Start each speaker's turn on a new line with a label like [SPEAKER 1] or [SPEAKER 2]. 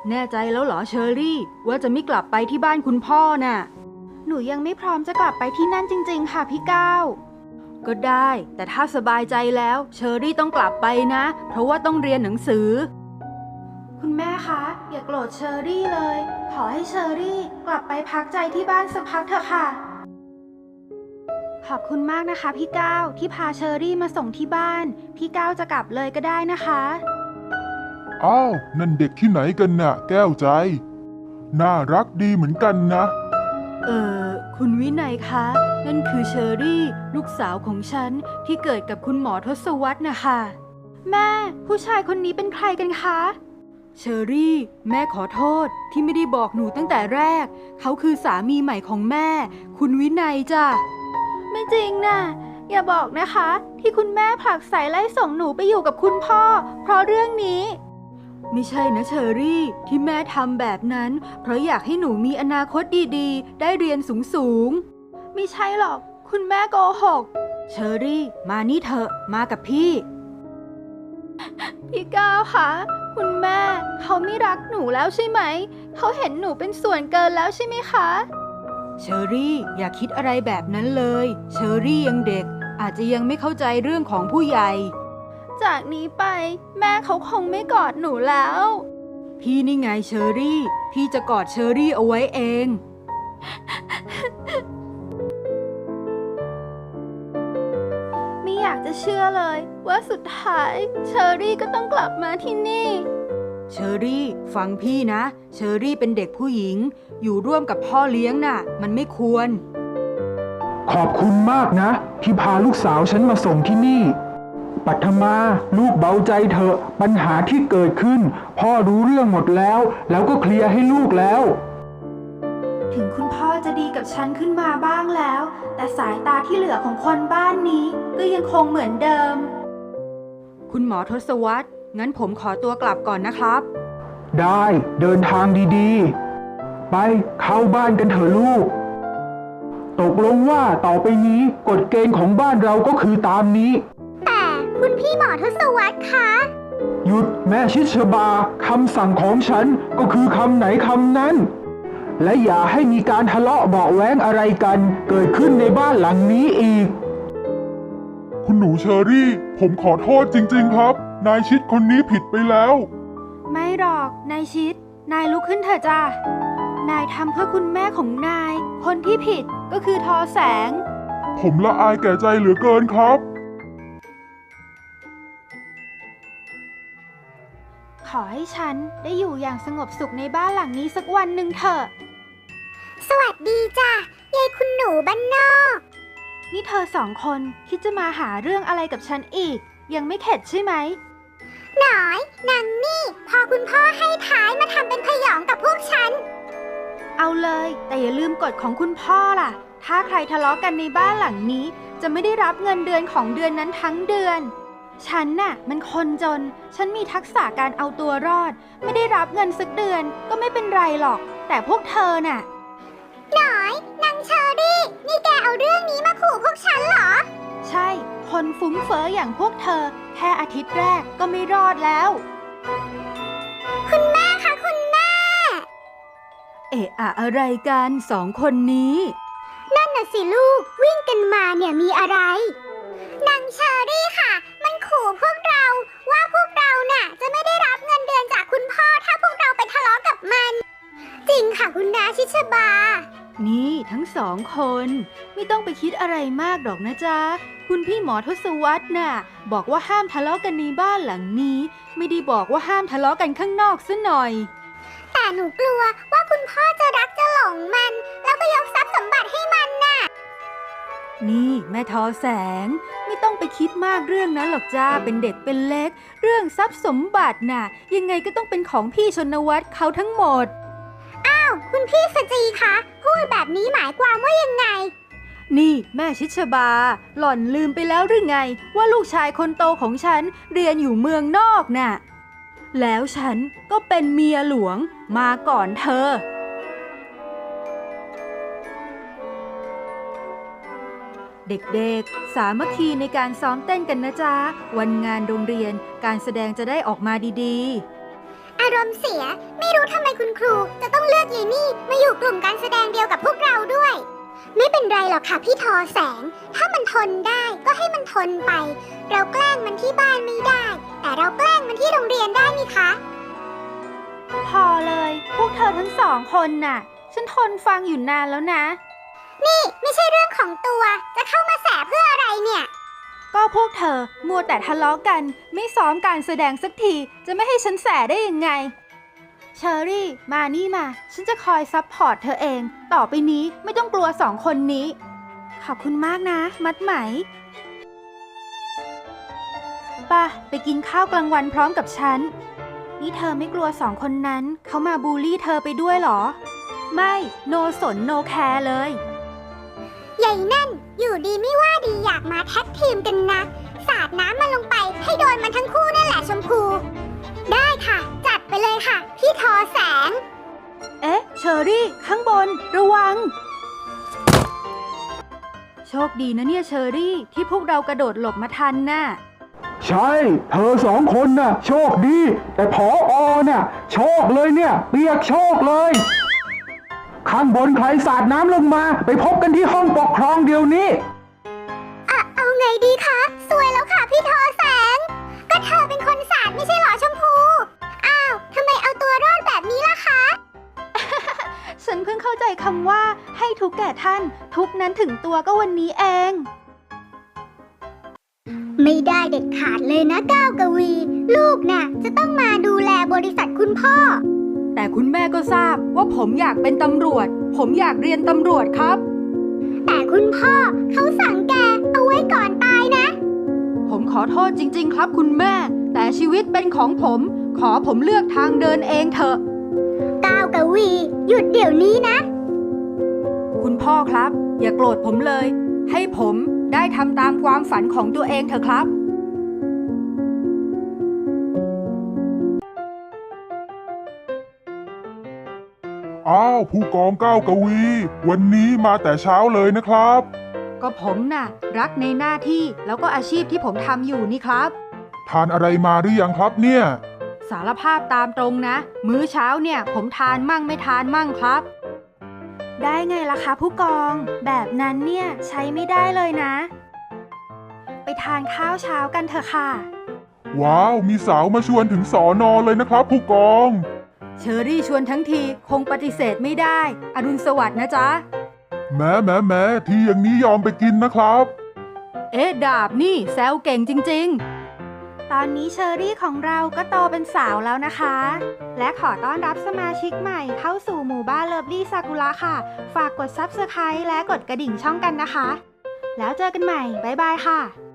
[SPEAKER 1] แน่ใจแล้วเหรอเชอรี่ว่าจะไม่กลับไปที่บ้านคุณพ่อน่ะหนูยังไม่พร้อมจะกลับไปที่นั่นจริงๆค่ะพี่ก้าวก็ได้แต่ถ้าสบายใจแล้วเชอรี่ต้องกลับไปนะเพราะว่าต้องเรียนหนังสือคุณแม่คะอย่าโกรธเชอรี่เลยขอให้เชอรี่กลับไปพักใจที่บ้านสักพักเถอะค่ะขอบคุณมากนะคะพี่ก้าวที่พาเชอรี่มาส่งที่บ้านพี่ก้าวจะกลับเลยก็ได้นะคะ
[SPEAKER 2] อ้าวนั่นเด็กที่ไหนกันน่ะแก้วใจน่ารักดีเหมือนกันนะ
[SPEAKER 1] คุณวินัยคะนั่นคือเชอรี่ลูกสาวของฉันที่เกิดกับคุณหมอทศวรรษนะคะแม่ผู้ชายคนนี้เป็นใครกันคะเชอรี่แม่ขอโทษที่ไม่ได้บอกหนูตั้งแต่แรกเขาคือสามีใหม่ของแม่คุณวินัยจ้ะไม่จริงนะอย่าบอกนะคะที่คุณแม่ผลักใส่ไล่ส่งหนูไปอยู่กับคุณพ่อเพราะเรื่องนี้ไม่ใช่นะเชอรี่ที่แม่ทำแบบนั้นเพราะอยากให้หนูมีอนาคตดีๆได้เรียนสูงๆไม่ใช่หรอกคุณแม่โกหกเชอรี่มานี่เถอะมากับพี่พี่ก้าวคะคุณแม่เขาไม่รักหนูแล้วใช่ไหมเขาเห็นหนูเป็นส่วนเกินแล้วใช่ไหมคะเชอรี่อย่าคิดอะไรแบบนั้นเลยเชอรี่ยังเด็กอาจจะยังไม่เข้าใจเรื่องของผู้ใหญ่จากนี้ไปแม่เขาคงไม่กอดหนูแล้วพี่นี่ไงเชอรี่พี่จะกอดเชอรี่เอาไว้เองไม่อยากจะเชื่อเลยว่าสุดท้ายเชอรี่ก็ต้องกลับมาที่นี่เชอรี่ฟังพี่นะเชอรี่เป็นเด็กผู้หญิงอยู่ร่วมกับพ่อเลี้ยงน่ะมันไม่ควร
[SPEAKER 3] ขอบคุณมากนะที่พาลูกสาวฉันมาส่งที่นี่ปัทมาลูกเบาใจเถอะปัญหาที่เกิดขึ้นพ่อรู้เรื่องหมดแล้วก็เคลียร์ให้ลูกแล้ว
[SPEAKER 1] ถึงคุณพ่อจะดีกับฉันขึ้นมาบ้างแล้วแต่สายตาที่เหลือของคนบ้านนี้ก็ยังคงเหมือนเดิมคุณหมอทศวรรษงั้นผมขอตัวกลับก่อนนะครับ
[SPEAKER 3] ได้เดินทางดีๆไปเข้าบ้านกันเถอะลูกตกลงว่าต่อไปนี้กฎเกณฑ์ของบ้านเราก็คือตามนี้
[SPEAKER 4] แต่คุณพี่หมอทศวรรษคะ
[SPEAKER 3] หยุดแม่ชิชบาคำสั่งของฉันก็คือคำไหนคำนั้นและอย่าให้มีการทะเลาะเบาะแว้งอะไรกันเกิดขึ้นในบ้านหลังนี้อีก
[SPEAKER 2] คุณหนูเชอรี่ผมขอโทษจริงๆครับนายชิดคนนี้ผิดไปแล้ว
[SPEAKER 1] ไม่หรอกนายชิดนายลุกขึ้นเถอะจ้ะนายทำเพื่อคุณแม่ของนายคนที่ผิดก็คือทอแสง
[SPEAKER 2] ผมละอายแก่ใจเหลือเกินครับ
[SPEAKER 1] ขอให้ฉันได้อยู่อย่างสงบสุขในบ้านหลังนี้สักวันหนึ่งเถอะ
[SPEAKER 4] สวัสดีจ้ะยายคุณหนูบ้านนอก
[SPEAKER 1] นี่เธอสองคนคิดจะมาหาเรื่องอะไรกับฉันอีกยังไม่เข็ดใช่ไหม
[SPEAKER 4] หน่อยนางนี่พอคุณพ่อให้ท้ายมาทำเป็นพยองกับพวกฉัน
[SPEAKER 1] เอาเลยแต่อย่าลืมกฎของคุณพ่อล่ะถ้าใครทะเลาะกันในบ้านหลังนี้จะไม่ได้รับเงินเดือนของเดือนนั้นทั้งเดือนฉันน่ะมันคนจนฉันมีทักษะการเอาตัวรอดไม่ได้รับเงินสักเดือนก็ไม่เป็นไรหรอกแต่พวกเธอน่ะ
[SPEAKER 4] หน่อยนางเชอรี่นี่แกเอาเรื่องนี้มาขู่พวกฉันเหรอ
[SPEAKER 1] ใช่คนฟุ้งเฟ้ออย่างพวกเธอแค่อาทิตย์แรกก็ไม่รอดแล้ว
[SPEAKER 4] คุณแม่คะคุณแม่
[SPEAKER 1] เอะอะอะไรกันสองคนนี้
[SPEAKER 4] นั่นน่ะสิลูกวิ่งกันมาเนี่ยมีอะไรนางเชอรี่ค่ะมันขู่พวกเราว่าพวกเราน่ะจะไม่ได้รับเงินเดือนจากคุณพ่อถ้าพวกเราไปทะเลาะกับมันจริงค่ะคุณน้าชิชบา
[SPEAKER 1] นี่ทั้งสองคนไม่ต้องไปคิดอะไรมากหรอกนะจ๊ะคุณพี่หมอทศวรรษน่ะบอกว่าห้ามทะเลาะกันในบ้านหลังนี้ไม่ได้บอกว่าห้ามทะเลาะกันข้างนอกซะหน่อย
[SPEAKER 4] แต่หนูกลัวว่าคุณพ่อจะรักจะหลงมันแล้วก็ยกทรัพย์สมบัติให้มันน่ะ
[SPEAKER 1] นี่แม่ทอแสงไม่ต้องไปคิดมากเรื่องนั้นหรอกจ้าเป็นเด็กเป็นเล็กเรื่องทรัพย์สมบัติน่ะยังไงก็ต้องเป็นของพี่ชนวัฒน์เขาทั้งหมด
[SPEAKER 4] อ้าวคุณพี่สจีคะพูดแบบนี้หมายความว่ายังไง
[SPEAKER 1] นี่แม่ชิชบาหล่อนลืมไปแล้วหรือไงว่าลูกชายคนโตของฉันเรียนอยู่เมืองนอกน่ะแล้วฉันก็เป็นเมียหลวงมาก่อนเธอเด็กๆสามัคคีในการซ้อมเต้นกันนะจ๊ะวันงานโรงเรียนการแสดงจะได้ออกมาดีๆ
[SPEAKER 4] อารมณ์เสีย ไม่รู้ทำไมคุณครูจะต้องเลือกเยนี่มาอยู่กลุ่มการแสดงเดียวกับพวกเราด้วย ไม่เป็นไรหรอกค่ะพี่ทอแสง ถ้ามันทนได้ก็ให้มันทนไป เราแกล้งมันที่บ้านไม่ได้ แต่เราแกล้งมันที่โรงเรียนได้นี่คะ
[SPEAKER 1] พอเลย พวกเธอทั้งสองคนน่ะ ฉันทนฟังอยู่นานแล้วนะ
[SPEAKER 4] นี่ไม่ใช่เรื่องของตัว จะเข้ามาแสเพื่ออะไรเนี่ย
[SPEAKER 1] ก็พวกเธอมัวแต่ทะเลาะกัน ไม่ซ้อมการแสดงสักที จะไม่ให้ฉันแสได้ยังไง เชอรี่ มานี่มา ฉันจะคอยซัพพอร์ตเธอเอง ต่อไปนี้ไม่ต้องกลัวสองคนนี้ ขอบคุณมากนะ มัดไหมป่ะ ไปกินข้าวกลางวันพร้อมกับฉัน นี่เธอไม่กลัวสองคนนั้น เขามาบูลลี่เธอไปด้วยเหรอ ไม่โนสนโนแคร์เลย
[SPEAKER 4] ใหญ่นั่น อยู่ดีไม่ว่าดีอยากมาแท็กทีมกันนะ สาดน้ำมันลงไปให้โดนมันทั้งคู่นั่นแหละชมพู ได้ค่ะ จัดไปเลยค่ะ พี่ทอแสง
[SPEAKER 1] เอ๊ะ เชอรี่ ข้างบน ระวัง โชคดีนะเนี่ยเชอรี่ ที่พวกเรากระโดดหลบมาทันน่ะ
[SPEAKER 3] ใช่ เธอสองคนน่ะ โชคดี แต่ผอน่ะ โชคเลยเนี่ย เปียกโชคเลย ข้างบนใครสาดน้ำลงมา ไปพบกันที่ห้องปกครองเดี๋ยวนี้
[SPEAKER 4] เอาไงดีคะ สวยแล้วค่ะพี่ทอแสง ก็เธอเป็นคนสาดไม่ใช่เหรอชมพู อ้าวทำไมเอาตัวรอดแบบนี้ล่ะคะ
[SPEAKER 1] ฉันเพิ่งเข้าใจคำว่าให้ทุกแก่ท่าน ทุกนั้นถึงตัวก็วันนี้เอง
[SPEAKER 4] ไม่ได้เด็ดขาดเลยนะก้าวกวี ลูกน่ะ จะต้องมาดูแลบริษัทคุณพ่อ
[SPEAKER 1] แต่คุณแม่ก็ทราบว่าผมอยากเป็นตำรวจ ผมอยากเรียนตำรวจครับ
[SPEAKER 4] แต่คุณพ่อเขาสั่งแกเอาไว้ก่อนตายนะ
[SPEAKER 1] ผมขอโทษจริงๆครับคุณแม่ แต่ชีวิตเป็นของผม ขอผมเลือกทางเดินเองเถอะ
[SPEAKER 4] ก้าวกวี หยุดเดี๋ยวนี้นะ
[SPEAKER 1] คุณพ่อครับ อย่าโกรธผมเลย ให้ผมได้ทำตามความฝันของตัวเองเถอะครับ
[SPEAKER 2] อ้าวผู้กองก้าวกวี วันนี้มาแต่เช้าเลยนะครับ
[SPEAKER 1] ก็ผมน่ะ รักในหน้าที่แล้วก็อาชีพที่ผมทำอยู่นี่ครับ
[SPEAKER 2] ทานอะไรมาหรือยังครับเนี่ย
[SPEAKER 1] สารภาพตามตรงนะ มื้อเช้าเนี่ย ผมทานมั่งไม่ทานมั่งครับ ได้ไงล่ะคะผู้กอง แบบนั้นเนี่ยใช้ไม่ได้เลยนะ ไปทานข้าวเช้ากันเถอะค่ะ
[SPEAKER 2] ว้าว มีสาวมาชวนถึงสอนอเลยนะครับผู้กอง
[SPEAKER 1] เชอรี่ชวนทั้งทีคงปฏิเสธไม่ได้ อรุณสวัสดิ์นะจ๊ะ
[SPEAKER 2] แม้ที่อย่างนี้ยอมไปกินนะครับ
[SPEAKER 1] เอ๊ะดาบนี่แซวเก่งจริงๆ ตอนนี้เชอรี่ของเราก็โตเป็นสาวแล้วนะคะ และขอต้อนรับสมาชิกใหม่เข้าสู่หมู่บ้านเลิฟลี่ซากุระค่ะ ฝากกด Subscribe และกดกระดิ่งช่องกันนะคะ แล้วเจอกันใหม่ บ๊ายบายค่ะ